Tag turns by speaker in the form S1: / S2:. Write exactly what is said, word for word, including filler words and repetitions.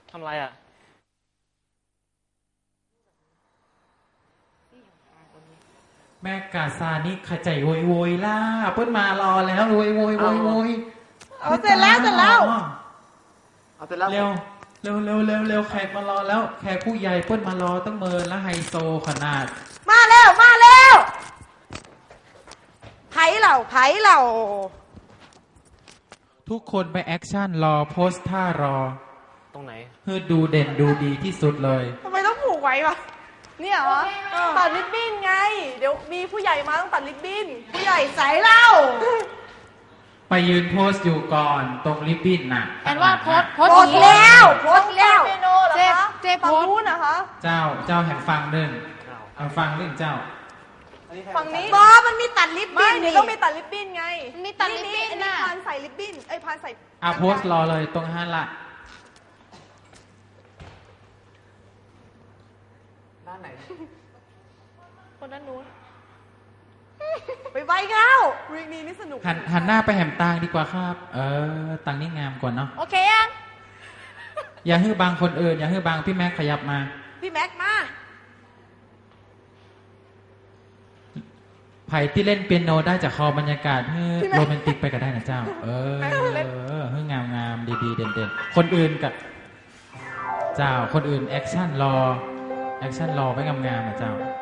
S1: ทำไรอ่ะ
S2: แม่กาซานี่ขจายโวยโวยล่าเปิ้ลมารอแล้วโวยโวยโวยโวย
S3: เอาเสร็จแล้วเสร็จแล้ว
S1: เอาเสร็จแล้ว
S2: เร็วเร็วเร็วเร็วเร็วแขกมารอแล้วแขกผู้ใหญ่เปิ้ลมารอตั้งเมินและไฮโซขนาด
S3: มาแล้วมาแล้วไผ่เหล่าไผ่เหล่า
S2: ทุกคนไปแอคชั่นรอโพสท่ารอ
S1: ตรงไหน
S2: เพื่อดูเด่นดูดีที่สุดเลย
S3: ทำไมต้องผูกไว้วะเนี่ยเหรอตัดริบบิ้นไงเดี๋ยวมีผู้ใหญ่มาต้องตัดริบบิ้นผู้ใหญ่ใส่เหล้า
S2: ไปยืนโพสอยู่ก่อนตรงริบบิ้นน่ะ
S4: แอนว่าโพสโพส
S3: แล้วโพสแล้ว
S4: เจ๊เจ๊โพส
S3: นะคะ
S2: เจ้าเจ้าแห่งฟังเรื่องแห่งฟังเรื่องเจ้า
S3: ฝั่งนี้บอมันมีตัดริบบิ้นนี่ต้องมีตัดริบบิ้นไง
S4: มีตัดริบบิ้นน่ะ
S3: พานใส่ริบบิ้นไอ้พานใส่
S2: อ่ะโพสรอเลยตรงห้าละ
S1: ด้านไหน
S4: คนด้านนู้น
S3: ไปไวเข้าวีคนี้นี่สนุก
S2: หันหันหน้าไปแหมตางดีกว่าครับเออตังนี่งามกว่าเนาะ
S4: โอเคยัง
S2: อย่าฮื้อบางคนอื่นอย่าฮื้อบางพี่แม็กขยับมา
S3: พี่แม็กมา
S2: ไผ่ที่เล่นเปียโนได้จากคอบรรยากาศฮื้อโรแมนติกไปก็ได้นะเจ้าเออฮื้องามงามดีๆเด่นๆคนอื่นกับเจ้าคนอื่นแอคชั่นรอแอคชั่นรอไว้งามๆนะเจ้า